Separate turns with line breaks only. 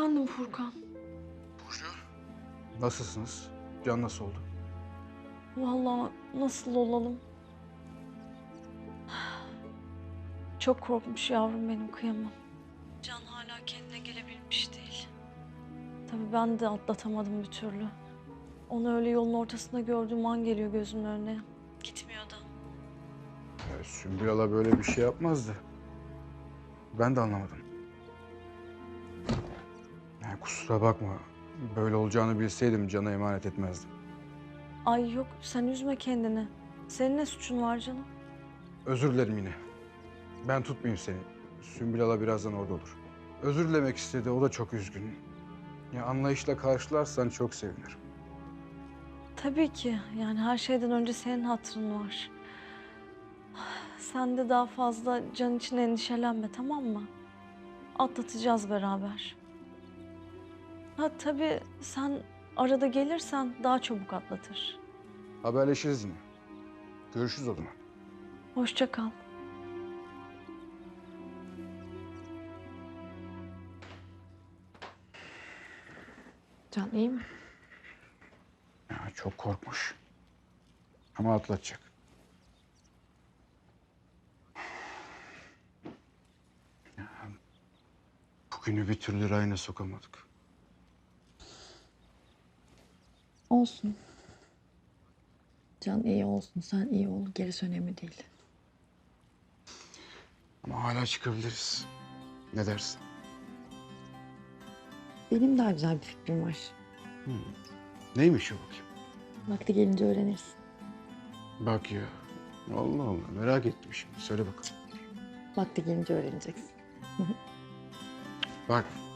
Efendim Furkan.
Burcu. Nasılsınız? Can nasıl oldu?
Vallahi nasıl olalım? Çok korkmuş yavrum benim, kıyamam. Can hala kendine gelebilmiş değil. Tabii ben de atlatamadım bir türlü. Onu öyle yolun ortasında gördüğüm an geliyor gözümün önüne. Gitmiyor da.
Sümbül Ala böyle bir şey yapmazdı. Ben de anlamadım. Yani kusura bakma. Böyle olacağını bilseydim Can'a emanet etmezdim.
Ay yok, sen üzme kendini. Senin ne suçun var canım?
Özür dilerim yine. Ben tutmayayım seni. Sümbül Ala birazdan orada olur. Özür dilemek istedi. O da çok üzgün. Ya anlayışla karşılarsan çok sevinirim.
Tabii ki. Yani her şeyden önce senin hatırın var. Sen de daha fazla Can için endişelenme, tamam mı? Atlatacağız beraber. Ha tabii sen arada gelirsen daha çabuk atlatır.
Haberleşiriz yine. Görüşürüz o zaman.
Hoşça kal.
Can iyi mi?
Ya, çok korkmuş. Ama atlatacak. Ya, bugünü bir türlü rayına sokamadık.
Olsun. Can iyi olsun, sen iyi ol. Gerisi önemli değil.
Ama hala çıkabiliriz. Ne dersin?
Benim daha güzel bir fikrim var.
Neymiş o bakayım?
Vakti gelince öğrenirsin.
Bak ya. Allah Allah, merak ettim şimdi. Söyle bakalım.
Vakti gelince öğreneceksin.
Bak,